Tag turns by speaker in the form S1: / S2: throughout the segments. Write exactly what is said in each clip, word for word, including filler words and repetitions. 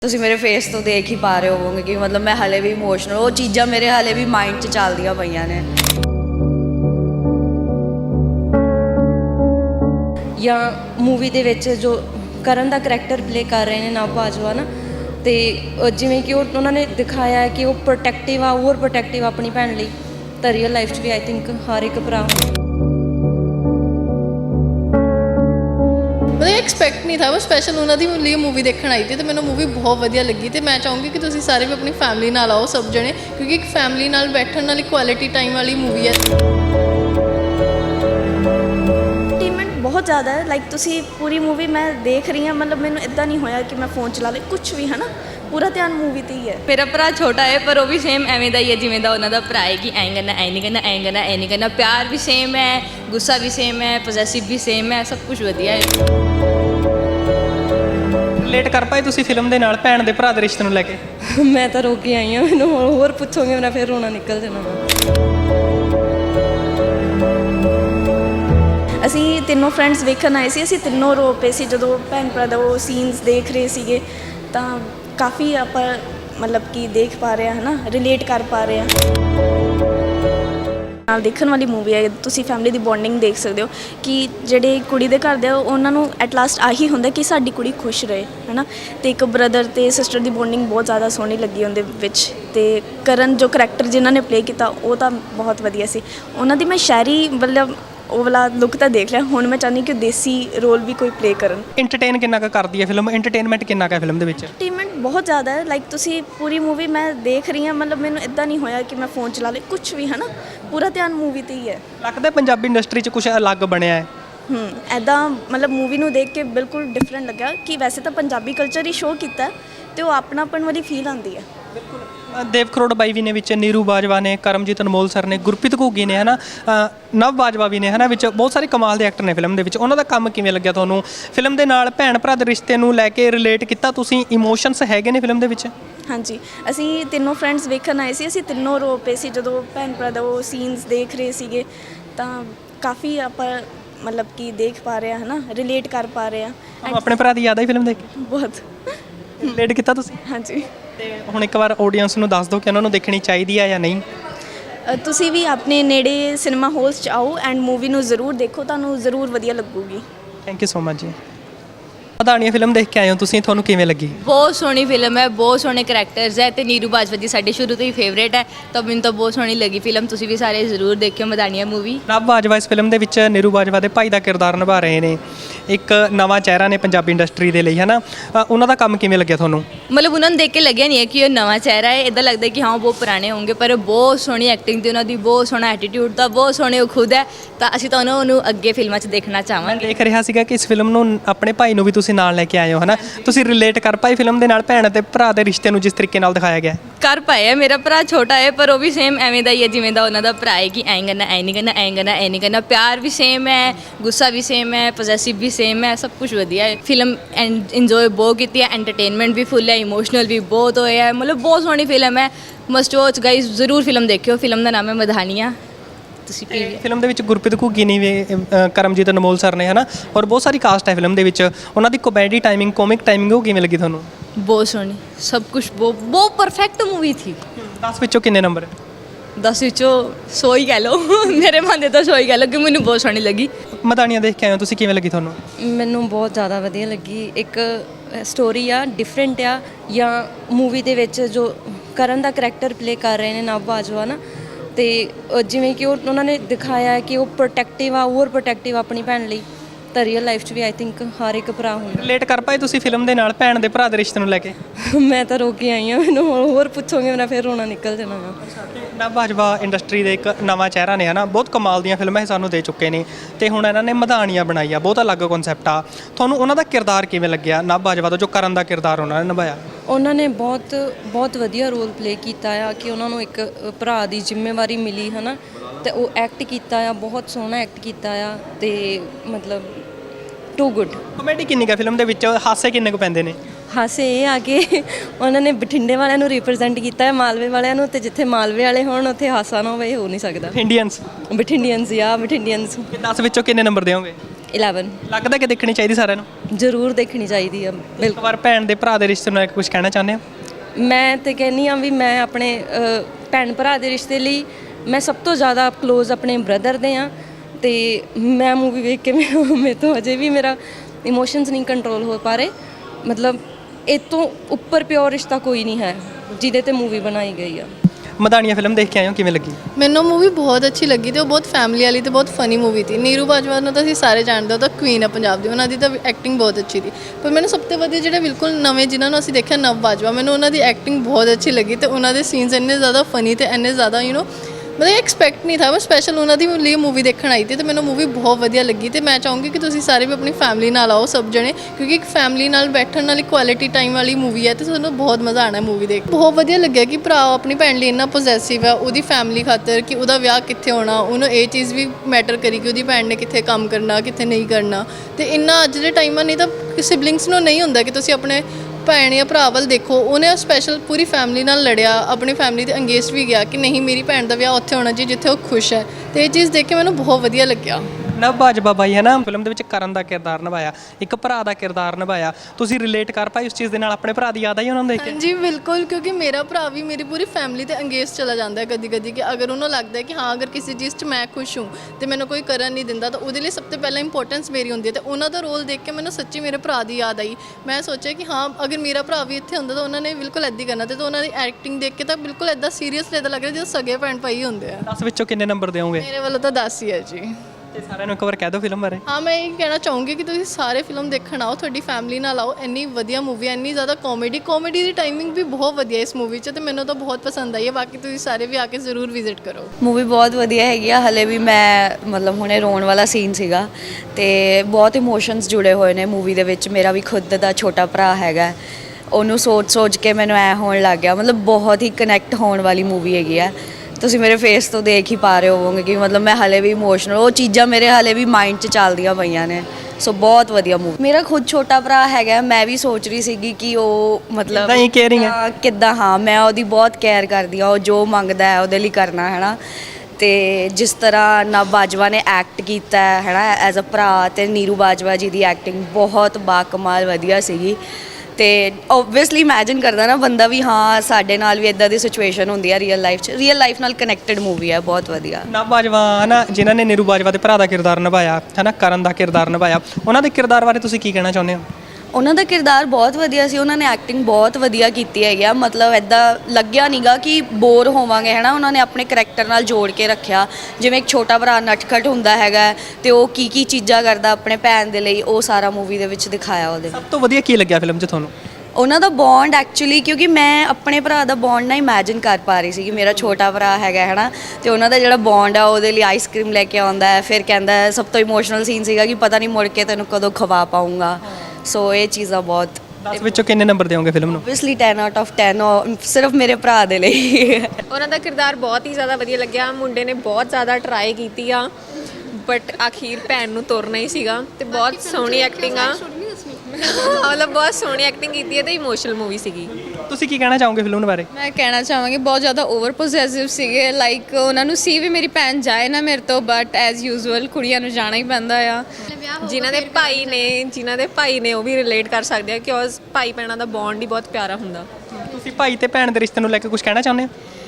S1: ਤੁਸੀਂ ਮੇਰੇ ਫੇਸ ਤੋਂ ਦੇਖ ਹੀ ਪਾ ਰਹੇ ਹੋਵੋਗੇ ਕਿ ਮਤਲਬ ਮੈਂ ਹਾਲੇ ਵੀ ਇਮੋਸ਼ਨਲ, ਉਹ ਚੀਜ਼ਾਂ ਮੇਰੇ ਹਾਲੇ ਵੀ ਮਾਈਂਡ 'ਚ ਚੱਲਦੀਆਂ ਪਈਆਂ ਨੇ। ਜਾਂ ਮੂਵੀ ਦੇ ਵਿੱਚ ਜੋ ਕਰਨ ਦਾ ਕਰੈਕਟਰ ਪਲੇ ਕਰ ਰਹੇ ਨੇ ਨਵ ਬਾਜਵਾ ਨਾ, ਤੇ ਜਿਵੇਂ ਕਿ ਉਹ ਉਹਨਾਂ ਨੇ ਦਿਖਾਇਆ ਕਿ ਉਹ ਪ੍ਰੋਟੈਕਟਿਵ ਆ, ਓਵਰ ਪ੍ਰੋਟੈਕਟਿਵ ਆਪਣੀ ਭੈਣ ਲਈ, ਤਾਂ ਰੀਅਲ ਲਾਈਫ 'ਚ ਵੀ ਆਈ ਥਿੰਕ ਹਰ ਇੱਕ ਭਰਾ
S2: मतलब एक्सपैक्ट नहीं था, वो स्पैशल उन्होंने लिए मूवी देखने आई थी, तो मैंने मूवी बहुत वधिया लगी। तो मैं चाहूँगी कि तुसीं सारे भी अपनी फैमिली नाल आओ सब जने, क्योंकि एक फैमिली नाल बैठण वाली क्वालिटी टाइम वाली मूवी है।
S3: एंटरटेनमेंट बहुत ज़्यादा है, लाइक तुसी पूरी मूवी मैं देख रही हाँ, मतलब मैंने इदा नहीं होया कि मैं फ़ोन चला ले कुछ भी, है ना, पूरा ध्यान मूवी ते ही है।
S1: ਮੇਰਾ ਭਰਾ ਛੋਟਾ ਹੈ ਪਰ ਉਹ ਵੀ ਸੇਮ ਐਵੇਂ ਦਾ ਹੀ ਹੈ ਜਿਵੇਂ ਦਾ ਉਹਨਾਂ ਦਾ ਭਰਾ ਹੈ, ਕਿ ਐਂ ਕਰਨਾ ਐਂ ਨਹੀਂ ਕਰਨਾ ਐਂ ਕਰਨਾ ਐਂ ਨਹੀਂ ਕਰਨਾ। ਪਿਆਰ ਵੀ ਸੇਮ ਹੈ, ਗੁੱਸਾ ਵੀ ਸੇਮ ਹੈ, ਪੋਜੈਸਿਵ ਵੀ ਸੇਮ ਹੈ, ਸਭ ਕੁਝ ਵਧੀਆ ਹੈ।
S4: ਰਿਲੇਟ ਕਰ ਪਾਏ ਤੁਸੀਂ ਫਿਲਮ ਦੇ ਨਾਲ ਭੈਣ ਦੇ ਭਰਾ ਦੇ ਰਿਸ਼ਤੇ ਨੂੰ ਲੈ ਕੇ?
S1: ਮੈਂ ਤਾਂ ਰੋ ਕੇ ਆਈ ਹਾਂ, ਮੈਨੂੰ ਹੋਰ ਪੁੱਛੋਗੇ ਮੇਰਾ ਫਿਰ ਰੋਣਾ ਨਿਕਲ ਜਾਣਾ ਵਾ।
S3: ਅਸੀਂ ਤਿੰਨੋਂ ਫਰੈਂਡਸ ਵੇਖਣ ਆਏ ਸੀ, ਅਸੀਂ ਤਿੰਨੋਂ ਰੋ ਪਏ ਸੀ ਜਦੋਂ ਭੈਣ ਭਰਾ ਦਾ ਉਹ ਸੀਨਸ ਦੇਖ ਰਹੇ ਸੀਗੇ। ਤਾਂ ਕਾਫੀ ਆਪਾਂ ਮਤਲਬ ਕਿ ਦੇਖ ਪਾ ਰਹੇ ਹਾਂ, ਹੈ ਨਾ, ਰਿਲੇਟ ਕਰ ਪਾ ਰਹੇ ਹਾਂ। ਨਾਲ ਦੇਖਣ ਵਾਲੀ ਮੂਵੀ ਹੈ, ਤੁਸੀਂ ਫੈਮਿਲੀ ਦੀ ਬੌਂਡਿੰਗ ਦੇਖ ਸਕਦੇ ਹੋ ਕਿ ਜਿਹੜੇ ਕੁੜੀ ਦੇ ਘਰ ਦੇ ਆ ਉਹਨਾਂ ਨੂੰ ਐਟ ਲਾਸਟ ਆਹੀ ਹੁੰਦਾ ਕਿ ਸਾਡੀ ਕੁੜੀ ਖੁਸ਼ ਰਹੇ, ਹੈ ਨਾ। ਅਤੇ ਇੱਕ ਬ੍ਰਦਰ ਅਤੇ ਸਿਸਟਰ ਦੀ ਬੌਂਡਿੰਗ ਬਹੁਤ ਜ਼ਿਆਦਾ ਸੋਹਣੀ ਲੱਗੀ ਉਹਦੇ ਵਿੱਚ। ਅਤੇ ਕਰਨ ਜੋ ਕਰੈਕਟਰ ਜਿਨ੍ਹਾਂ ਨੇ ਪਲੇ ਕੀਤਾ ਉਹ ਤਾਂ ਬਹੁਤ ਵਧੀਆ ਸੀ। ਉਹਨਾਂ ਦੀ ਮੈਂ ਸ਼ਾਇਰੀ ਮਤਲਬ ਉਹ ਵਾਲਾ ਲੁੱਕ ਤਾਂ ਦੇਖ ਲਿਆ, ਹੁਣ ਮੈਂ ਚਾਹੁੰਦੀ ਕਿ ਦੇਸੀ ਰੋਲ ਵੀ ਕੋਈ ਪਲੇ ਕਰਨ।
S4: ਐਂਟਰਟੇਨ ਕਿੰਨਾ ਕੁ ਕਰਦੀ ਹੈ ਫਿਲਮ? ਐਂਟਰਟੇਨਮੈਂਟ ਕਿੰਨਾ ਕੁ ਹੈ ਫਿਲਮ ਦੇ ਵਿੱਚ?
S3: ਐਂਟਰਟੇਨਮੈਂਟ ਬਹੁਤ ਜ਼ਿਆਦਾ ਹੈ, ਲਾਈਕ ਤੁਸੀਂ ਪੂਰੀ ਮੂਵੀ ਮੈਂ ਦੇਖ ਰਹੀ ਹਾਂ, ਮਤਲਬ ਮੈਨੂੰ ਇੱਦਾਂ ਨਹੀਂ ਹੋਇਆ ਕਿ ਮੈਂ ਫ਼ੋਨ ਚਲਾ ਲੇ ਕੁਛ ਵੀ, ਹੈ ਨਾ, ਪੂਰਾ ਧਿਆਨ ਮੂਵੀ 'ਤੇ ਹੀ ਹੈ।
S4: ਲੱਗਦਾ ਪੰਜਾਬੀ ਇੰਡਸਟਰੀ 'ਚ ਕੁਝ ਅਲੱਗ ਬਣਿਆ ਹੈ?
S3: ਹੂੰ ਇੱਦਾਂ ਮਤਲਬ ਮੂਵੀ ਨੂੰ ਦੇਖ ਕੇ ਬਿਲਕੁਲ ਡਿਫਰੈਂਟ ਲੱਗਿਆ ਕਿ ਵੈਸੇ ਤਾਂ ਪੰਜਾਬੀ ਕਲਚਰ ਹੀ ਸ਼ੋਅ ਕੀਤਾ ਅਤੇ ਉਹ ਆਪਣਾਪਣ ਵਾਲੀ ਫੀਲ ਆਉਂਦੀ ਹੈ।
S4: ਦੇਵ ਕਰੋੜ ਬਾਈ ਵੀ ਨੇ ਵਿੱਚ, ਨੀਰੂ ਬਾਜਵਾ ਨੇ, ਕਰਮਜੀਤ ਅਨਮੋਲ ਸਰ ਨੇ, ਗੁਰਪ੍ਰੀਤ ਘੁੱਗੀ ਨੇ, ਹੈ ਨਾ, ਨਵ ਬਾਜਵਾ ਵੀ ਨੇ, ਹੈ ਨਾ, ਵਿੱਚ ਬਹੁਤ ਸਾਰੇ ਕਮਾਲ ਦੇ ਐਕਟਰ ਨੇ ਫਿਲਮ ਦੇ ਵਿੱਚ। ਉਹਨਾਂ ਦਾ ਕੰਮ ਕਿਵੇਂ ਲੱਗਿਆ ਤੁਹਾਨੂੰ? ਫਿਲਮ ਦੇ ਨਾਲ ਭੈਣ ਭਰਾ ਦੇ ਰਿਸ਼ਤੇ ਨੂੰ ਲੈ ਕੇ ਰਿਲੇਟ ਕੀਤਾ ਤੁਸੀਂ? ਇਮੋਸ਼ਨਸ ਹੈਗੇ ਨੇ ਫਿਲਮ ਦੇ ਵਿੱਚ?
S3: ਹਾਂਜੀ, ਅਸੀਂ ਤਿੰਨੋਂ ਫਰੈਂਡਸ ਵੇਖਣ ਆਏ ਸੀ, ਅਸੀਂ ਤਿੰਨੋਂ ਰੋ ਪਏ ਸੀ ਜਦੋਂ ਭੈਣ ਭਰਾ ਦਾ ਉਹ ਸੀਨਸ ਦੇਖ ਰਹੇ ਸੀਗੇ। ਤਾਂ ਕਾਫੀ ਆਪਾਂ ਮਤਲਬ ਕਿ ਦੇਖ ਪਾ ਰਹੇ ਹਾਂ, ਹੈ ਨਾ, ਰਿਲੇਟ ਕਰ ਪਾ ਰਹੇ ਹਾਂ।
S4: ਆਪਣੇ ਭਰਾ ਦੀ ਯਾਦ ਆਈ ਫਿਲਮ ਦੇਖ ਕੇ?
S3: ਬਹੁਤ
S4: ਰਿਲੇਟ ਕੀਤਾ ਤੁਸੀਂ?
S3: ਹਾਂਜੀ।
S4: ਤੇ ਹੁਣ ਇੱਕ ਵਾਰ ਆਡੀਅנס ਨੂੰ ਦੱਸ ਦਿਓ ਕਿ ਉਹਨਾਂ ਨੂੰ ਦੇਖਣੀ ਚਾਹੀਦੀ ਹੈ ਜਾਂ ਨਹੀਂ।
S3: ਅ, ਤੁਸੀਂ ਵੀ ਆਪਣੇ ਨੇੜੇ ਸਿਨੇਮਾ ਹਾਲਸ 'ਚ ਆਓ ਐਂਡ ਮੂਵੀ ਨੂੰ ਜ਼ਰੂਰ ਦੇਖੋ, ਤੁਹਾਨੂੰ ਜ਼ਰੂਰ ਵਧੀਆ ਲੱਗੂਗੀ।
S4: ਥੈਂਕ ਯੂ ਸੋ ਮਚ ਜੀ। ਮਧਾਣੀਆਂ ਫਿਲਮ ਦੇਖ ਕੇ ਆਏ ਹੋ ਤੁਸੀਂ, ਤੁਹਾਨੂੰ ਕਿਵੇਂ ਲੱਗੀ?
S1: ਬਹੁਤ ਸੋਹਣੀ ਫਿਲਮ ਹੈ, ਬਹੁਤ ਸੋਹਣੇ ਕਰੈਕਟਰਸ ਹੈ, ਤੇ ਨੀਰੂ ਬਾਜਵਾ ਜੀ ਸਾਡੇ ਸ਼ੁਰੂ ਤੋਂ ਹੀ ਫੇਵਰੇਟ ਹੈ, ਤਾਂ ਮੈਨੂੰ ਤਾਂ ਬਹੁਤ ਸੋਹਣੀ ਲੱਗੀ ਫਿਲਮ। ਤੁਸੀਂ ਵੀ ਸਾਰੇ ਜ਼ਰੂਰ ਦੇਖਿਓ ਮਧਾਣੀਆਂ ਮੂਵੀ।
S4: ਨਵ ਬਾਜਵਾ ਇਸ ਫਿਲਮ ਦੇ ਵਿੱਚ ਨੀਰੂ ਬਾਜਵਾ ਦੇ ਭਾਈ ਦਾ ਕਿਰਦਾਰ ਨਿਭਾ ਰਹੇ ਨੇ, ਇੱਕ ਨਵਾਂ ਚਿਹਰਾ ਨੇ ਪੰਜਾਬੀ ਇੰਡਸਟਰੀ ਦੇ ਲਈ, ਹੈ ਨਾ। ਅ, ਉਹਨਾਂ ਦਾ ਕੰਮ ਕਿਵੇਂ ਲੱਗਿਆ ਤੁਹਾਨੂੰ?
S1: ਮਤਲਬ ਉਹਨਾਂ ਨੂੰ ਦੇਖ ਕੇ ਲੱਗਿਆ ਨਹੀਂ ਹੈ ਕਿ ਉਹ ਨਵਾਂ ਚਿਹਰਾ ਹੈ, ਇੱਦਾਂ ਲੱਗਦਾ ਕਿ ਹਾਂ ਉਹ ਬਹੁਤ ਪੁਰਾਣੇ ਹੋਣਗੇ, ਪਰ ਬਹੁਤ ਸੋਹਣੀ ਐਕਟਿੰਗ ਤੇ ਉਹਨਾਂ ਦੀ, ਬਹੁਤ ਸੋਹਣਾ ਐਟੀਟਿਊਡ ਦਾ, ਬਹੁਤ ਸੋਹਣੇ ਉਹ ਖੁਦ ਹੈ, ਤਾਂ ਅਸੀਂ ਤਾਂ ਉਹਨਾਂ ਨੂੰ ਅੱਗੇ ਫਿਲਮਾਂ 'ਚ ਦੇਖਣਾ ਚਾਹਾਂਗੇ।
S4: ਦੇਖ ਰਿਹਾ ਸੀਗਾ ਕਿ ਇਸ ਫਿਲਮ ਨੂੰ ਆਪਣੇ ਭਾਈ ਨੂੰ ਵੀ ਤੁਸੀਂ ਨਾਲ ਲੈ ਕੇ ਆਏ ਹੋ, ਹੈ ਨਾ। ਤੁਸੀਂ ਰਿਲੇਟ ਕਰ ਪਾਏ ਫਿਲਮ ਦੇ ਨਾਲ ਭੈਣ ਅਤੇ ਭਰਾ ਦੇ ਰਿਸ਼ਤੇ ਨੂੰ ਜਿਸ ਤਰੀਕੇ ਨਾਲ ਦਿਖਾਇਆ ਗਿਆ?
S1: ਕਰ ਪਾਏ। ਮੇਰਾ ਭਰਾ ਛੋਟਾ ਹੈ ਪਰ ਉਹ ਵੀ ਸੇਮ ਐਵੇਂ ਦਾ ਹੀ ਹੈ ਜਿਵੇਂ ਦਾ ਉਹਨਾਂ ਦਾ ਭਰਾ ਹੈ, ਕਿ ਐਂ ਕਰਨਾ ਐਂ ਨਹੀਂ ਕਰਨਾ ਐਂ ਕਰਨਾ ਐਂ ਨਹੀਂ ਕਰਨਾ। ਪਿਆਰ ਵੀ ਸੇਮ ਹੈ, ਗੁੱਸਾ ਵੀ ਸੇਮ ਹੈ, ਪੋਜੈਸਿਵ ਵੀ ਸੇਮ ਹੈ, ਸਭ ਕੁਝ ਵਧੀਆ ਹੈ। ਫਿਲਮ ਇੰਜੋਏ ਬਹੁਤ ਕੀਤੀ ਹੈ, ਐਂਟਰਟੇਨਮੈਂਟ ਵੀ ਫੁੱਲ ਹੈ, ਇਮੋਸ਼ਨਲ ਵੀ ਬਹੁਤ ਹੋਇਆ ਹੈ, ਮਤਲਬ ਬਹੁਤ ਸੋਹਣੀ ਫਿਲਮ ਹੈ। ਮਸਟ ਵਾਚ ਗਾਈਜ਼, ਜ਼ਰੂਰ ਫਿਲਮ ਦੇਖਿਓ। ਫਿਲਮ ਦਾ ਨਾਮ ਹੈ ਮਧਾਣੀਆਂ। ਤੁਸੀਂ
S4: ਫਿਲਮ ਦੇ ਵਿੱਚ ਗੁਰਪ੍ਰੀਤ ਘੁੱਗੀ ਨੇ ਵੀ, ਅ, ਕਰਮਜੀਤ ਅਨਮੋਲ ਸਰ ਨੇ, ਹੈ ਨਾ, ਔਰ ਬਹੁਤ ਸਾਰੀ ਕਾਸਟ ਹੈ ਫਿਲਮ ਦੇ ਵਿੱਚ। ਉਹਨਾਂ ਦੀ ਕੋਮੇਡੀ ਟਾਈਮਿੰਗ, ਕੋਮਿਕ ਟਾਈਮਿੰਗ, ਉਹ ਕਿਵੇਂ ਲੱਗੀ ਤੁਹਾਨੂੰ?
S1: ਬਹੁਤ ਸੋਹਣੀ, ਸਭ ਕੁਝ ਬਹੁਤ ਬਹੁਤ ਪਰਫੈਕਟ ਮੂਵੀ ਥੀ।
S4: ਦਸ ਵਿੱਚੋਂ ਕਿੰਨੇ ਨੰਬਰ?
S1: ਦਸ ਵਿੱਚੋਂ ਸੌ ਹੀ ਕਹਿ ਲਓ, ਮੇਰੇ ਮਨ ਦੇ ਤਾਂ ਸੌ ਹੀ ਕਹਿ ਲਓ, ਕਿ ਮੈਨੂੰ ਬਹੁਤ ਸੋਹਣੀ ਲੱਗੀ।
S4: ਮਧਾਣੀਆਂ ਦੇਖ ਕੇ ਆਏ ਹੋ ਤੁਸੀਂ, ਕਿਵੇਂ ਲੱਗੀ ਤੁਹਾਨੂੰ?
S1: ਮੈਨੂੰ ਬਹੁਤ ਜ਼ਿਆਦਾ ਵਧੀਆ ਲੱਗੀ। ਇੱਕ ਸਟੋਰੀ ਆ, ਡਿਫਰੈਂਟ ਆ, ਜਾਂ ਮੂਵੀ ਦੇ ਵਿੱਚ ਜੋ ਕਰਨ ਦਾ ਕਰੈਕਟਰ ਪਲੇ ਕਰ ਰਹੇ ਨੇ ਨਵ ਬਾਜਵਾ ਨਾ, ਅਤੇ ਜਿਵੇਂ ਕਿ ਉਹ ਉਹਨਾਂ ਨੇ ਦਿਖਾਇਆ ਕਿ ਉਹ ਪ੍ਰੋਟੈਕਟਿਵ ਆ, ਓਵਰ ਪ੍ਰੋਟੈਕਟਿਵ ਆਪਣੀ ਭੈਣ ਲਈ, ਤਾਂ ਰੀਅਲ ਲਾਈਫ 'ਚ ਵੀ ਆਈ ਥਿੰਕ ਹਰ ਇੱਕ ਭਰਾ ਹੁੰਦਾ।
S4: ਰਿਲੇਟ ਕਰ ਪਾਏ ਤੁਸੀਂ ਫਿਲਮ ਦੇ ਨਾਲ ਭੈਣ ਦੇ ਭਰਾ ਦੇ ਰਿਸ਼ਤੇ ਨੂੰ ਲੈ ਕੇ?
S1: ਮੈਂ ਤਾਂ ਰੋ ਕੇ ਆਈ ਹਾਂ, ਮੈਨੂੰ ਹੋਰ ਪੁੱਛੋਗੇ ਮੇਰਾ ਫਿਰ ਰੋਣਾ ਨਿਕਲ ਜਾਣਾ ਵਾ।
S4: ਨਵ ਬਾਜਵਾ ਇੰਡਸਟਰੀ ਦੇ ਇੱਕ ਨਵਾਂ ਚਿਹਰਾ ਨੇ, ਹੈ ਨਾ, ਬਹੁਤ ਕਮਾਲ ਦੀਆਂ ਫਿਲਮਾਂ ਇਹ ਸਾਨੂੰ ਦੇ ਚੁੱਕੇ ਨੇ, ਅਤੇ ਹੁਣ ਇਹਨਾਂ ਨੇ ਮਧਾਣੀਆਂ ਬਣਾਈ ਆ, ਬਹੁਤ ਅਲੱਗ ਕਨਸੈਪਟ ਆ। ਤੁਹਾਨੂੰ ਉਹਨਾਂ ਦਾ ਕਿਰਦਾਰ ਕਿਵੇਂ ਲੱਗਿਆ ਨਵ ਬਾਜਵਾ ਦਾ, ਜੋ ਕਰਨ ਦਾ ਕਿਰਦਾਰ ਉਹਨਾਂ ਨੇ ਨਿਭਾਇਆ?
S1: ਉਹਨਾਂ ਨੇ ਬਹੁਤ ਬਹੁਤ ਵਧੀਆ ਰੋਲ ਪਲੇ ਕੀਤਾ ਆ, ਕਿ ਉਹਨਾਂ ਨੂੰ ਇੱਕ ਭਰਾ ਦੀ ਜ਼ਿੰਮੇਵਾਰੀ ਮਿਲੀ, ਹੈ ਨਾ, ਅਤੇ ਉਹ ਐਕਟ ਕੀਤਾ ਆ, ਬਹੁਤ ਸੋਹਣਾ ਐਕਟ ਕੀਤਾ ਆ, ਅਤੇ ਮਤਲਬ ਟੂ ਗੁੱਡ।
S4: ਕਮੇਡੀ ਕਿੰਨੀ ਕੁ ਫਿਲਮ ਦੇ ਵਿੱਚ? ਹਾਸੇ ਕਿੰਨੇ ਕੁ ਪੈਂਦੇ ਨੇ?
S1: ਹਾਸੇ ਇਹ ਆ ਕਿ ਉਹਨਾਂ ਨੇ ਬਠਿੰਡੇ ਵਾਲਿਆਂ ਨੂੰ ਰਿਪਰੈਜ਼ੈਂਟ ਕੀਤਾ ਹੈ, ਮਾਲਵੇ ਵਾਲਿਆਂ ਨੂੰ, ਅਤੇ ਜਿੱਥੇ ਮਾਲਵੇ ਵਾਲੇ ਹੋਣ ਉੱਥੇ ਹਾਸਾ ਨਾ ਹੋਵੇ, ਹੋ ਨਹੀਂ ਸਕਦਾ।
S4: ਇੰਡੀਅਨਸ
S1: ਬਠਿੰਡੀਅਨਸ ਜਾਂ ਬਠਿੰਡੀਅਨਸ।
S4: ਦਸ ਵਿੱਚੋਂ ਕਿੰਨੇ ਨੰਬਰ ਦਿਓਗੇ?
S1: ਇਲੈਵਨ
S4: ਲੱਗਦਾ ਕਿ ਦੇਖਣੀ ਚਾਹੀਦੀ ਸਾਰਿਆਂ ਨੂੰ?
S1: ਜ਼ਰੂਰ ਦੇਖਣੀ ਚਾਹੀਦੀ ਆ
S4: ਇੱਕ ਵਾਰ ਭੈਣ ਦੇ ਭਰਾ ਦੇ ਰਿਸ਼ਤੇ ਨੂੰ ਲੈ ਕੇ ਕੁਝ ਕਹਿਣਾ ਚਾਹੁੰਦੇ ਹੋ?
S1: ਮੈਂ ਤੇ ਕਹਿੰਦੀ ਆ ਵੀ ਮੈਂ ਆਪਣੇ ਅ, ਭੈਣ ਭਰਾ ਦੇ ਰਿਸ਼ਤੇ ਲਈ ਮੈਂ ਸਭ ਤੋਂ ਜ਼ਿਆਦਾ ਕਲੋਜ਼ ਆਪਣੇ ਬ੍ਰਦਰ ਦੇ ਆ ਤੇ ਮੈਂ ਮੂਵੀ ਵੇਖ ਕੇ ਮੈਂ ਮੇਰੇ ਤੋਂ ਅਜੇ ਵੀ ਮੇਰਾ ਇਮੋਸ਼ਨਸ ਨਹੀਂ ਕੰਟਰੋਲ ਹੋ ਪਾ ਰਹੇ। ਮਤਲਬ ਇਹ ਤੋਂ ਉੱਪਰ ਪਿਓਰ ਰਿਸ਼ਤਾ ਕੋਈ ਨਹੀਂ ਹੈ ਜਿਹਦੇ ਤੇ ਮੂਵੀ ਬਣਾਈ ਗਈ ਆ।
S4: ਮਦਾਨੀਆਂ ਫਿਲਮ ਦੇਖ ਕੇ ਆਏ ਹੋ, ਕਿਵੇਂ ਲੱਗੀ?
S2: ਮੈਨੂੰ ਮੂਵੀ ਬਹੁਤ ਅੱਛੀ ਲੱਗੀ ਤੇ ਉਹ ਬਹੁਤ ਫੈਮਿਲੀ ਵਾਲੀ ਤੇ ਬਹੁਤ ਫਨੀ ਮੂਵੀ ਸੀ। ਨੀਰੂ ਬਾਜਵਾ ਨੂੰ ਤਾਂ ਅਸੀਂ ਸਾਰੇ ਜਾਣਦੇ, ਉਹ ਤਾਂ ਕੁਈਨ ਆ ਪੰਜਾਬ ਦੀ, ਉਹਨਾਂ ਦੀ ਤਾਂ ਐਕਟਿੰਗ ਬਹੁਤ ਅੱਛੀ ਸੀ। ਪਰ ਮੈਨੂੰ ਸਭ ਤੋਂ ਵਧੀਆ ਜਿਹੜੇ ਬਿਲਕੁਲ ਨਵੇਂ ਜਿਨ੍ਹਾਂ ਨੂੰ ਅਸੀਂ ਦੇਖਿਆ, ਨਵ ਬਾਜਵਾ, ਮੈਨੂੰ ਉਹਨਾਂ ਦੀ ਐਕਟਿੰਗ ਬਹੁਤ ਅੱਛੀ ਲੱਗੀ ਤੇ ਉਹਨਾਂ ਦੇ ਸੀਨਸ ਇੰਨੇ ਜ਼ਿਆਦਾ ਫਨੀ ਤੇ ਇੰਨੇ ਜ਼ਿਆਦਾ ਯੂ نو ਮਤਲਬ ਐਕਸਪੈਕਟ ਨਹੀਂ ਥਾ। ਮੈਂ ਸਪੈਸ਼ਲ ਉਹਨਾਂ ਦੀ ਲਈ ਮੂਵੀ ਦੇਖਣ ਆਈ ਸੀ ਤੇ ਮੈਨੂੰ ਮੂਵੀ ਬਹੁਤ ਵਧੀਆ ਲੱਗੀ ਤੇ ਮੈਂ ਚਾਹੂੰਗੀ ਕਿ ਤੁਸੀਂ ਸਾਰੇ ਵੀ ਆਪਣੀ ਫੈਮਿਲੀ ਨਾਲ ਆਓ ਸਭ ਜਣੇ, ਕਿਉਂਕਿ ਇੱਕ ਫੈਮਿਲੀ ਨਾਲ ਬੈਠਣ ਵਾਲੀ ਕੁਆਲਿਟੀ ਟਾਈਮ ਵਾਲੀ ਮੂਵੀ ਹੈ ਤੇ ਤੁਹਾਨੂੰ ਬਹੁਤ ਮਜ਼ਾ ਆਣਾ ਮੂਵੀ ਦੇਖ। ਬਹੁਤ ਵਧੀਆ ਲੱਗਿਆ ਕਿ ਭਰਾ ਆਪਣੀ ਭੈਣ ਲਈ ਇੰਨਾ ਪੋਜੈਸਿਵ ਹੈ ਉਹਦੀ ਫੈਮਿਲੀ ਖਾਤਰ ਕਿ ਉਹਦਾ ਵਿਆਹ ਕਿੱਥੇ ਹੋਣਾ, ਉਹਨੂੰ ਇਹ ਚੀਜ਼ ਵੀ ਮੈਟਰ ਕਰੀ ਕਿ ਉਹਦੀ ਭੈਣ ਨੇ ਕਿੱਥੇ ਕੰਮ ਕਰਨਾ ਕਿੱਥੇ ਨਹੀਂ ਕਰਨਾ। ਤੇ ਇੰਨਾ ਅੱਜ ਦੇ ਟਾਈਮਾਂ ਨਹੀਂ ਤਾਂ ਸਿਬਲਿੰਗਸ ਨੂੰ ਨਹੀਂ ਹੁੰਦਾ ਕਿ ਤੁਸੀਂ ਆਪਣੇ ਭੈਣ ਜਾਂ ਭਰਾ ਵੱਲ ਦੇਖੋ। ਉਹਨੇ ਸਪੈਸ਼ਲ ਪੂਰੀ ਫੈਮਿਲੀ ਨਾਲ ਲੜਿਆ, ਆਪਣੀ ਫੈਮਿਲੀ ਦੇ ਅੰਗੇਜਡ ਵੀ ਗਿਆ ਕਿ ਨਹੀਂ ਮੇਰੀ ਭੈਣ ਦਾ ਵਿਆਹ ਉੱਥੇ ਹੋਣਾ ਚਾਹੀਦਾ ਜਿੱਥੇ ਉਹ ਖੁਸ਼ ਹੈ। ਤੇ ਇਹ ਚੀਜ਼ ਦੇਖ ਕੇ ਮੈਨੂੰ ਬਹੁਤ ਵਧੀਆ ਲੱਗਿਆ।
S4: ਨਵ ਬਾਜਵਾ ਬਾਈ ਹੈ ਨਾ, ਫਿਲਮ ਦੇ ਵਿੱਚ ਕਰਨ ਦਾ ਕਿਰਦਾਰ ਨਿਭਾਇਆ, ਇੱਕ ਭਰਾ ਦਾ ਕਿਰਦਾਰ ਨਿਭਾਇਆ। ਤੁਸੀਂ ਰਿਲੇਟ ਕਰ ਪਾਈ ਉਸ ਚੀਜ਼ ਦੇ ਨਾਲ? ਆਪਣੇ ਭਰਾ ਦੀ ਯਾਦ ਆਈ ਉਹਨਾਂ ਨੂੰ ਦੇਖ ਕੇ?
S2: ਹਾਂਜੀ ਬਿਲਕੁਲ, ਕਿਉਂਕਿ ਮੇਰਾ ਭਰਾ ਵੀ ਮੇਰੀ ਪੂਰੀ ਫੈਮਿਲੀ ਤੇ ਅੰਗੇਜ ਚਲਾ ਜਾਂਦਾ ਹੈ ਕਦੀ ਕਦੀ ਕਿ ਅਗਰ ਉਹਨੂੰ ਲੱਗਦਾ ਹੈ ਕਿ ਹਾਂ ਅਗਰ ਕਿਸੇ ਚੀਜ਼ 'ਚ ਮੈਂ ਖੁਸ਼ ਹੂੰ ਤੇ ਮੈਨੂੰ ਕੋਈ ਕਰਨ ਨਹੀਂ ਦਿੰਦਾ ਤਾਂ ਉਹਦੇ ਲਈ ਸਭ ਤੋਂ ਪਹਿਲਾਂ ਇੰਪੋਰਟੈਂਸ ਮੇਰੀ ਹੁੰਦੀ ਹੈ। ਤੇ ਉਹਨਾਂ ਦਾ ਰੋਲ ਦੇਖ ਕੇ ਮੈਨੂੰ ਸੱਚੀ ਮੇਰੇ ਭਰਾ ਦੀ ਯਾਦ ਆਈ। ਮੈਂ ਸੋਚਿਆ ਕਿ ਹਾਂ ਅਗਰ ਮੇਰਾ ਭਰਾ ਵੀ ਇੱਥੇ ਹੁੰਦਾ ਤਾਂ ਉਹਨਾਂ ਨੇ ਬਿਲਕੁਲ ਇੱਦਾਂ ਹੀ ਕਰਨਾ ਤੇ ਉਹਨਾਂ ਦੀ ਐਕਟਿੰਗ ਦੇਖ ਕੇ ਤਾਂ ਬਿਲਕੁਲ ਇੱਦਾਂ ਸੀਰੀਅਸਲੀ ਇੱਦਾਂ ਲੱਗ ਰਿਹਾ ਜਿਵੇਂ ਸਗੇ ਭੈਣ ਭਾਈ ਹੁੰਦੇ ਆ।
S4: ਦਸ ਵਿੱਚੋਂ ਕਿੰਨੇ ਨੰਬਰ ਦਿਓਗੇ?
S2: ਮੇਰੇ ਵੱਲੋਂ ਤਾਂ ਦਸ ਹੀ ਹੈ ਜੀ।
S4: ਤੇ ਸਾਰਿਆਂ ਨੂੰ ਇੱਕ ਵਾਰ ਕਹਿ ਦਿਓ ਫਿਲਮ ਬਾਰੇ।
S2: ਹਾਂ ਮੈਂ ਇਹ ਕਹਿਣਾ ਚਾਹੂੰਗੀ ਕਿ ਤੁਸੀਂ ਸਾਰੇ ਫਿਲਮ ਦੇਖਣ ਆਓ, ਤੁਹਾਡੀ ਫੈਮਿਲੀ ਨਾਲ ਆਓ। ਇੰਨੀ ਵਧੀਆ ਮੂਵੀ ਹੈ, ਇੰਨੀ ਜ਼ਿਆਦਾ ਕਾਮੇਡੀ ਕਾਮੇਡੀ ਦੀ ਟਾਈਮਿੰਗ ਵੀ ਬਹੁਤ ਵਧੀਆ ਇਸ ਮੂਵੀ 'ਚ ਤੇ ਮੈਨੂੰ ਤਾਂ ਬਹੁਤ ਪਸੰਦ ਆਈ ਹੈ। ਬਾਕੀ ਤੁਸੀਂ ਸਾਰੇ ਵੀ ਆ ਕੇ ਜ਼ਰੂਰ ਵਿਜ਼ਿਟ ਕਰੋ।
S5: ਮੂਵੀ ਬਹੁਤ ਵਧੀਆ ਹੈਗੀ ਆ। ਹਲੇ ਵੀ ਮੈਂ ਮਤਲਬ ਹੁਣੇ ਰੋਣ ਵਾਲਾ ਸੀਨ ਸੀਗਾ ਤੇ ਬਹੁਤ ਇਮੋਸ਼ਨਸ ਜੁੜੇ ਹੋਏ ਨੇ ਮੂਵੀ ਦੇ ਵਿੱਚ। ਮੇਰਾ ਵੀ ਖੁਦ ਦਾ ਛੋਟਾ ਭਰਾ ਹੈਗਾ, ਉਹਨੂੰ ਸੋਚ ਸੋਚ ਕੇ ਮੈਨੂੰ ਐ ਹੋਣ ਲੱਗ ਗਿਆ। ਮਤਲਬ ਬਹੁਤ ਹੀ ਕਨੈਕਟ ਹੋਣ ਵਾਲੀ ਮੂਵੀ ਹੈਗੀ ਆ। ਤੁਸੀਂ ਮੇਰੇ ਫੇਸ ਤੋਂ ਦੇਖ ਹੀ ਪਾ ਰਹੇ ਹੋਵੋਗੇ ਕਿ ਮਤਲਬ ਮੈਂ ਹਲੇ ਵੀ ਇਮੋਸ਼ਨਲ, ਉਹ ਚੀਜ਼ਾਂ ਮੇਰੇ ਹਲੇ ਵੀ ਮਾਈਂਡ 'ਚ ਚੱਲਦੀਆਂ ਪਈਆਂ ਨੇ। ਸੋ ਬਹੁਤ ਵਧੀਆ ਮੂਵੀ। ਮੇਰਾ ਖੁਦ ਛੋਟਾ ਭਰਾ ਹੈਗਾ, ਮੈਂ ਵੀ ਸੋਚ ਰਹੀ ਸੀਗੀ ਕਿ ਉਹ ਮਤਲਬ
S4: ਕਿੱਦਾਂ ਹੀ caring ਹੈ।
S5: ਹਾਂ, ਕਿੱਦਾਂ ਹਾਂ ਮੈਂ ਉਹਦੀ ਬਹੁਤ ਕੇਅਰ ਕਰਦੀ ਹਾਂ। ਉਹ ਜੋ ਮੰਗਦਾ ਹੈ ਉਹਦੇ ਲਈ ਕਰਨਾ ਹੈ ਨਾ। ਤੇ ਜਿਸ ਤਰ੍ਹਾਂ ਨਵ ਬਾਜਵਾ ਨੇ ਐਕਟ ਕੀਤਾ ਹੈ ਨਾ ਐਜ਼ ਅ ਭਰਾ, ਤੇ ਨੀਰੂ ਬਾਜਵਾ ਜੀ ਦੀ ਐਕਟਿੰਗ ਬਹੁਤ ਬਾਕਮਾਲ ਵਧੀਆ ਸੀਗੀ। ਤੇ ਓਬਵੀਅਸਲੀ ਇਮੈਜਿਨ ਕਰਦਾ ਨਾ ਬੰਦਾ ਵੀ ਹਾਂ ਸਾਡੇ ਨਾਲ ਵੀ ਇਦਾਂ ਦੀ ਸਿਚੁਏਸ਼ਨ ਹੁੰਦੀ ਹੈ ਰੀਅਲ ਲਾਈਫ 'ਚ। ਰੀਅਲ ਲਾਈਫ ਨਾਲ ਕਨੈਕਟਡ ਮੂਵੀ ਹੈ, ਬਹੁਤ ਵਧੀਆ।
S4: ਨਵ ਬਾਜਵਾ ਹੈ ਨਾ, ਜਿਨ੍ਹਾਂ ਨੇ ਨੀਰੂ ਬਾਜਵਾ ਦੇ ਭਰਾ ਦਾ ਕਿਰਦਾਰ ਨਿਭਾਇਆ ਹੈ ਨਾ, ਕਰਨ ਦਾ ਕਿਰਦਾਰ ਨਿਭਾਇਆ, ਉਹਨਾਂ ਦੇ ਕਿਰਦਾਰ ਬਾਰੇ ਤੁਸੀਂ ਕੀ ਕਹਿਣਾ ਚਾਹੁੰਦੇ ਹੋ?
S5: ਉਹਨਾਂ ਦਾ ਕਿਰਦਾਰ ਬਹੁਤ ਵਧੀਆ ਸੀ। ਉਹਨਾਂ ਨੇ ਐਕਟਿੰਗ ਬਹੁਤ ਵਧੀਆ ਕੀਤੀ ਹੈਗੀ ਆ। ਮਤਲਬ ਇੱਦਾਂ ਲੱਗਿਆ ਨੀਗਾ ਕਿ ਬੋਰ ਹੋਵਾਂਗੇ ਹੈ ਨਾ। ਉਹਨਾਂ ਨੇ ਆਪਣੇ ਕਰੈਕਟਰ ਨਾਲ ਜੋੜ ਕੇ ਰੱਖਿਆ। ਜਿਵੇਂ ਇੱਕ ਛੋਟਾ ਭਰਾ ਨਟਖਟ ਹੁੰਦਾ ਹੈਗਾ ਤੇ ਉਹ ਕੀ ਕੀ ਚੀਜ਼ਾਂ ਕਰਦਾ ਆਪਣੇ ਭੈਣ ਦੇ ਲਈ, ਉਹ ਸਾਰਾ ਮੂਵੀ ਦੇ ਵਿੱਚ ਦਿਖਾਇਆ ਉਹਦੇ।
S4: ਸਭ ਤੋਂ ਵਧੀਆ ਕੀ ਲੱਗਿਆ ਫਿਲਮ 'ਚ ਤੁਹਾਨੂੰ?
S5: ਉਹਨਾਂ ਦਾ ਬੌਂਡ ਐਕਚੁਅਲੀ, ਕਿਉਂਕਿ ਮੈਂ ਆਪਣੇ ਭਰਾ ਦਾ ਬੌਂਡ ਨਾ ਇਮੈਜਿਨ ਕਰ ਪਾ ਰਹੀ ਸੀ ਕਿ ਮੇਰਾ ਛੋਟਾ ਭਰਾ ਹੈਗਾ ਹੈ ਨਾ, ਤੇ ਉਹਨਾਂ ਦਾ ਜਿਹੜਾ ਬੌਂਡ ਆ ਉਹਦੇ ਲਈ ਆਈਸਕ੍ਰੀਮ ਲੈ ਕੇ ਆਉਂਦਾ ਹੈ, ਫਿਰ ਕਹਿੰਦਾ ਹੈ। ਸਭ ਤੋਂ ਇਮੋਸ਼ਨਲ ਸੀਨ ਸੀਗਾ ਕਿ ਪਤਾ ਨਹੀਂ ਮੁੜ ਕੇ ਤੈਨੂੰ ਕਦੋਂ ਖਵਾ ਪਾਊਂਗਾ। ਸੋ ਇਹ ਚੀਜ਼ਾਂ ਬਹੁਤ।
S4: ਦਸ ਵਿੱਚੋਂ ਕਿੰਨੇ ਨੰਬਰ ਦਿਓਗੇ ਫਿਲਮ ਨੂੰ?
S5: Obviously ten out of ten ਸਿਰਫ ਮੇਰੇ ਭਰਾ ਦੇ ਲਈ।
S6: ਉਹਨਾਂ ਦਾ ਕਿਰਦਾਰ ਬਹੁਤ ਹੀ ਜ਼ਿਆਦਾ ਵਧੀਆ ਲੱਗਿਆ। ਮੁੰਡੇ ਨੇ ਬਹੁਤ ਜ਼ਿਆਦਾ ਟਰਾਈ ਕੀਤੀ ਆ ਬਟ ਆਖੀਰ ਭੈਣ ਨੂੰ ਤੁਰਨਾ ਹੀ ਸੀਗਾ ਤੇ ਬਹੁਤ ਸੋਹਣੀ ਐਕਟਿੰਗ ਆ। ਮਤਲਬ ਬਹੁਤ ਸੋਹਣੀ ਐਕਟਿੰਗ ਕੀਤੀ ਹੈ ਤੇ ਇਮੋਸ਼ਨਲ ਮੂਵੀ ਸੀਗੀ।
S4: ਤੁਸੀਂ ਕੀ ਕਹਿਣਾ ਚਾਹੋਗੇ ਫਿਲਮ ਬਾਰੇ?
S7: ਮੈਂ ਕਹਿਣਾ ਚਾਹਾਂਗੀ ਬਹੁਤ ਜ਼ਿਆਦਾ ਓਵਰ ਪੋਸੈਸਿਵ ਸੀਗੇ। ਲਾਈਕ ਉਹਨਾਂ ਨੂੰ ਸੀ ਵੀ ਮੇਰੀ ਭੈਣ ਜਾਏ ਨਾ ਮੇਰੇ ਤੋਂ, ਬਟ ਐਜ਼ ਯੂਜ਼ੁਅਲ ਕੁੜੀਆਂ ਨੂੰ ਜਾਣਾ ਹੀ ਪੈਂਦਾ ਆ।
S6: ਜਿਨ੍ਹਾਂ ਦੇ ਭਾਈ ਨੇ ਜਿਨ੍ਹਾਂ ਦੇ ਭਾਈ ਨੇ ਉਹ ਵੀ ਰਿਲੇਟ ਕਰ ਸਕਦੇ ਆ ਕਿ ਉਸ ਭਾਈ ਭੈਣਾਂ ਦਾ ਬੌਂਡ ਹੀ ਬਹੁਤ ਪਿਆਰਾ ਹੁੰਦਾ।
S4: ਤੁਸੀਂ ਭਾਈ ਤੇ ਭੈਣ ਦੇ ਰਿਸ਼ਤੇ ਨੂੰ ਲੈ ਕੇ ਕੁਝ ਕਹਿਣਾ ਚਾਹੁੰਦੇ ਹੋ?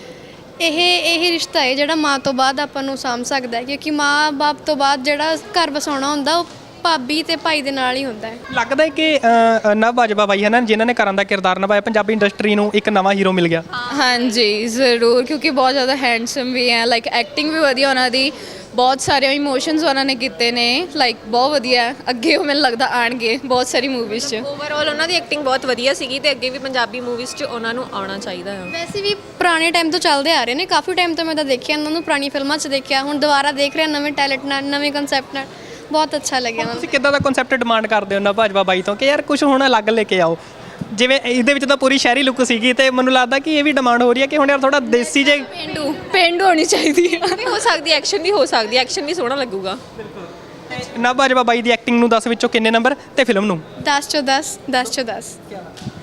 S7: ਇਹ ਇਹ ਰਿਸ਼ਤਾ ਹੈ ਜਿਹੜਾ ਮਾਂ ਤੋਂ ਬਾਅਦ ਆਪਾਂ ਨੂੰ ਸਾਂਭ ਸਕਦਾ ਹੈ, ਕਿਉਂਕਿ ਮਾਂ ਬਾਪ ਤੋਂ ਬਾਅਦ ਜਿਹੜਾ ਘਰ ਵਸਾਉਣਾ ਹੁੰਦਾ ਉਹ ਭਾਬੀ ਤੇ ਭਾਈ ਦੇ ਨਾਲ ਹੀ ਹੁੰਦਾ ਹੈ।
S4: ਲੱਗਦਾ ਹੈ ਕਿ ਅ, ਨਵ ਬਾਜਵਾ ਬਾਈ ਹੈ ਨਾ, ਜਿਨ੍ਹਾਂ ਨੇ ਕਰਨ ਦਾ ਕਿਰਦਾਰ ਨਿਭਾਇਆ, ਪੰਜਾਬੀ ਇੰਡਸਟਰੀ ਨੂੰ ਇੱਕ ਨਵਾਂ ਹੀਰੋ ਮਿਲ ਗਿਆ।
S7: ਹਾਂਜੀ ਜ਼ਰੂਰ, ਕਿਉਂਕਿ ਬਹੁਤ ਜ਼ਿਆਦਾ ਹੈਂਡਸਮ ਵੀ ਹੈ। ਲਾਈਕ ਐਕਟਿੰਗ ਵੀ ਵਧੀਆ ਉਹਨਾਂ ਦੀ, ਬਹੁਤ ਸਾਰੇ ਇਮੋਸ਼ਨਸ ਉਹਨਾਂ ਨੇ ਕੀਤੇ ਨੇ। ਲਾਈਕ ਬਹੁਤ ਵਧੀਆ। ਅੱਗੇ ਉਹ ਮੈਨੂੰ ਲੱਗਦਾ ਆਣਗੇ ਬਹੁਤ ਸਾਰੀ ਮੂਵੀਜ਼ 'ਚ।
S6: ਓਵਰਆਲ ਉਹਨਾਂ ਦੀ ਐਕਟਿੰਗ ਬਹੁਤ ਵਧੀਆ ਸੀਗੀ ਤੇ ਅੱਗੇ ਵੀ ਪੰਜਾਬੀ ਮੂਵੀਜ਼ 'ਚ ਉਹਨਾਂ ਨੂੰ ਆਉਣਾ ਚਾਹੀਦਾ ਹੈ।
S7: ਵੈਸੇ ਵੀ ਪੁਰਾਣੇ ਟਾਈਮ ਤੋਂ ਚੱਲਦੇ ਆ ਰਹੇ ਨੇ, ਕਾਫੀ ਟਾਈਮ ਤੋਂ ਮੈਂ ਤਾਂ ਦੇਖਿਆ ਇਹਨਾਂ ਨੂੰ, ਪੁਰਾਣੀ ਫਿਲਮਾਂ 'ਚ ਦੇਖਿਆ, ਹੁਣ ਦੁਬਾਰਾ ਦੇਖ ਰਿਹਾ ਨਵੇਂ ਟੈਲੈਂਟ ਨਾਲ, ਨਵੇਂ ਕਨਸੈਪਟ ਨਾਲ। ਬਹੁਤ ਅੱਛਾ ਲੱਗਿਆ ਮੈਨੂੰ।
S4: ਤੁਸੀਂ ਕਿੱਦਾਂ ਦਾ ਕਨਸੈਪਟ ਡਿਮਾਂਡ ਕਰਦੇ ਹੋ ਨਵ ਬਾਜਵਾ ਬਾਈ ਤੋਂ ਕਿ ਯਾਰ ਕੁਝ ਹੁਣ ਅਲੱਗ ਲੈ ਕੇ ਆਓ? ਜਿਵੇਂ ਇਹਦੇ ਵਿੱਚ ਤਾਂ ਪੂਰੀ ਸ਼ਹਿਰੀ ਲੁੱਕ ਸੀਗੀ ਤੇ ਮੈਨੂੰ ਲੱਗਦਾ ਕਿ ਇਹ ਵੀ ਡਿਮਾਂਡ ਹੋ ਰਹੀ ਹੈ ਕਿ ਹੁਣ ਯਾਰ ਥੋੜਾ ਦੇਸੀ ਜੇ
S7: ਪੇਂਡੂ ਪੇਂਡੂ ਹੋਣੀ ਚਾਹੀਦੀ ਹੈ।
S6: ਵੀ ਹੋ ਸਕਦੀ ਐਕਸ਼ਨ ਵੀ ਹੋ ਸਕਦੀ ਐਕਸ਼ਨ ਵੀ ਸੋਹਣਾ ਲੱਗੂਗਾ।
S4: ਨਵ ਬਾਜਵਾ ਬਾਈ ਦੀ ਐਕਟਿੰਗ ਨੂੰ ਦਸ ਵਿੱਚੋਂ ਕਿੰਨੇ ਨੰਬਰ ਤੇ ਫਿਲਮ ਨੂੰ?
S7: ਦਸ ਚੋਂ ਦਸ, ਦਸ ਚੋਂ ਦਸ।